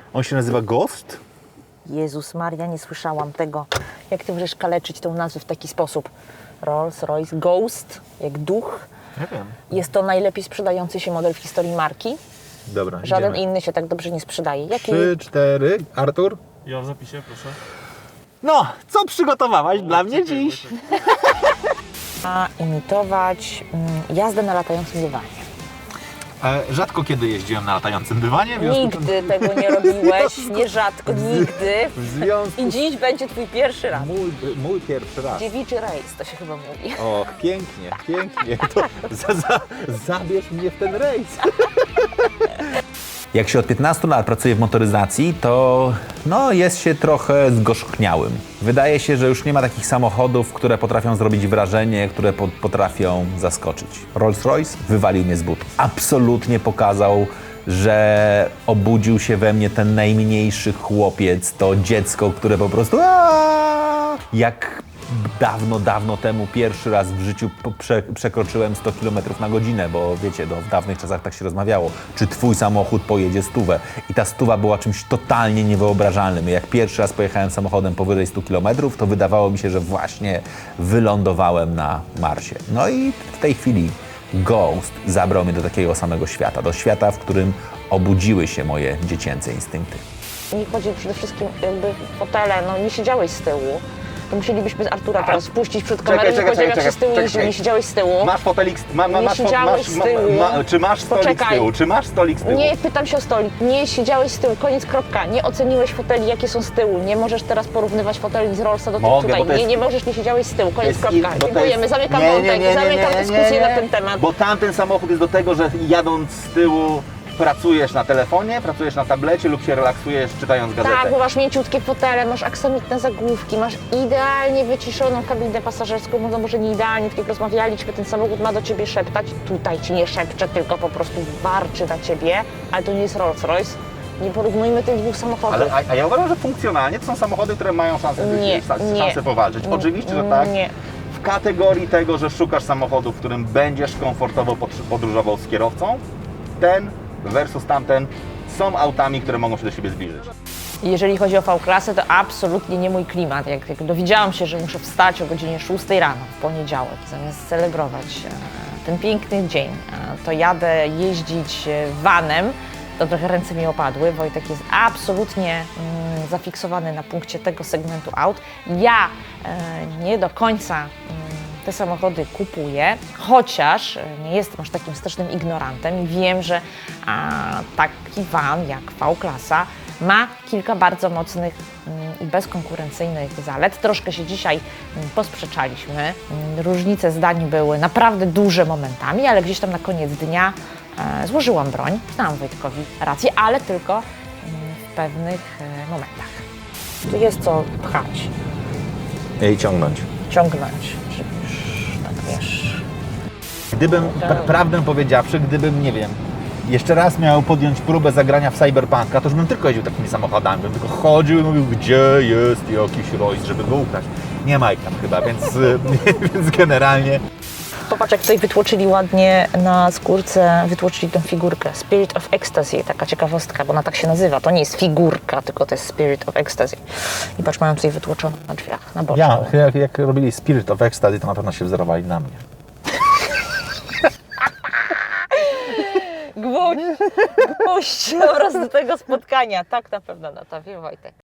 On się nazywa Ghost? Jezus Maria, nie słyszałam tego. Jak ty możesz kaleczyć tą nazwę w taki sposób? Rolls-Royce Ghost, jak duch. Nie wiem. Jest to najlepiej sprzedający się model w historii marki. Dobra, Żaden idziemy. inny się tak dobrze nie sprzedaje. Jaki? 3, 4. Artur? Ja w zapisie, proszę. No, co przygotowałaś dla mnie dziś? Ma imitować jazdę na latającym dywanie. Rzadko kiedy jeździłem na latającym dywanie. w związku z tym- Nigdy tego nie robiłeś, nierzadko, nigdy. W związku I dziś będzie twój pierwszy raz. mój pierwszy raz. Dziewiczy rejs, to się chyba mówi. Och, pięknie, pięknie. To zabierz mnie w ten rejs. Jak się od 15 lat pracuje w motoryzacji, to jest się trochę zgorzkniałym. Wydaje się, że już nie ma takich samochodów, które potrafią zrobić wrażenie, które potrafią zaskoczyć. Rolls-Royce wywalił mnie z butów. Absolutnie pokazał, że obudził się we mnie ten najmniejszy chłopiec, to dziecko, które po prostu jak dawno temu pierwszy raz w życiu przekroczyłem 100 km na godzinę, bo wiecie, w dawnych czasach tak się rozmawiało, czy twój samochód pojedzie 100. I ta 100 była czymś totalnie niewyobrażalnym. Jak pierwszy raz pojechałem samochodem powyżej 100 km, to wydawało mi się, że właśnie wylądowałem na Marsie. No i w tej chwili Ghost zabrał mnie do takiego samego świata, do świata, w którym obudziły się moje dziecięce instynkty. Mi chodzi przede wszystkim jakby fotele, nie siedziałeś z tyłu. To musielibyśmy Artura teraz wpuścić przed kamerę i powiedział, jak się z tyłu jeździł, nie siedziałeś z tyłu. Masz fotelik, Nie siedziałeś z tyłu. czy masz stolik Poczekaj. z tyłu? Czy masz stolik z tyłu? Nie, pytam się o stolik. Nie siedziałeś z tyłu, koniec, kropka. Nie oceniłeś foteli, jakie są z tyłu. Nie możesz teraz porównywać foteli z Rollsa do tych Mogę, tutaj. bo to jest- Nie możesz, nie siedziałeś z tyłu, koniec, To jest kropka. bo to Dziękujemy, jest- zamykam nie, wątek, zamykam dyskusję na ten temat. Bo tamten samochód jest do tego, że jadąc z tyłu pracujesz na telefonie, pracujesz na tablecie lub się relaksujesz czytając gazetę. Tak, bo masz mięciutkie fotele, masz aksamitne zagłówki, masz idealnie wyciszoną kabinę pasażerską, może nie idealnie, tak jak rozmawialiśmy, ten samochód ma do ciebie szeptać. Tutaj ci nie szepcze, tylko po prostu warczy na ciebie, ale to nie jest Rolls-Royce. Nie porównujmy tych dwóch samochodów. A ja uważam, że funkcjonalnie to są samochody, które mają szansę, szansę powalczyć. Oczywiście, że tak. Nie. W kategorii tego, że szukasz samochodu, w którym będziesz komfortowo podróżował z kierowcą, ten versus tamten są autami, które mogą się do siebie zbliżyć. Jeżeli chodzi o V-klasę, to absolutnie nie mój klimat. Jak dowiedziałam się, że muszę wstać o godzinie 6 rano w poniedziałek, zamiast celebrować ten piękny dzień, to jadę jeździć vanem, to trochę ręce mi opadły. Wojtek jest absolutnie zafiksowany na punkcie tego segmentu aut. Ja nie do końca te samochody kupuję, chociaż nie jestem aż takim strasznym ignorantem i wiem, że taki van jak V-klasa ma kilka bardzo mocnych i bezkonkurencyjnych zalet. Troszkę się dzisiaj posprzeczaliśmy. Różnice zdań były naprawdę duże momentami, ale gdzieś tam na koniec dnia złożyłam broń. Dałam Wojtkowi rację, ale tylko w pewnych momentach. Tu jest co pchać, I ciągnąć. ciągnąć, żeby już tak wiesz. Gdybym, prawdę powiedziawszy, gdybym, nie wiem, jeszcze raz miał podjąć próbę zagrania w Cyberpunka, to już bym tylko jeździł takimi samochodami, bym tylko chodził i mówił, gdzie jest jakiś Royce, żeby go ukraść. Nie ma ich tam chyba, więc, więc generalnie... Popatrz, jak tutaj wytłoczyli ładnie na skórce, wytłoczyli tą figurkę. Spirit of Ecstasy, taka ciekawostka, bo ona tak się nazywa. To nie jest figurka, tylko to jest Spirit of Ecstasy. I patrz, mają tutaj wytłoczoną na drzwiach, na boczku. Jak robili Spirit of Ecstasy, to na pewno się wzorowali na mnie. Gwóźdź oraz do tego spotkania. Tak na pewno na to wie Wojtek.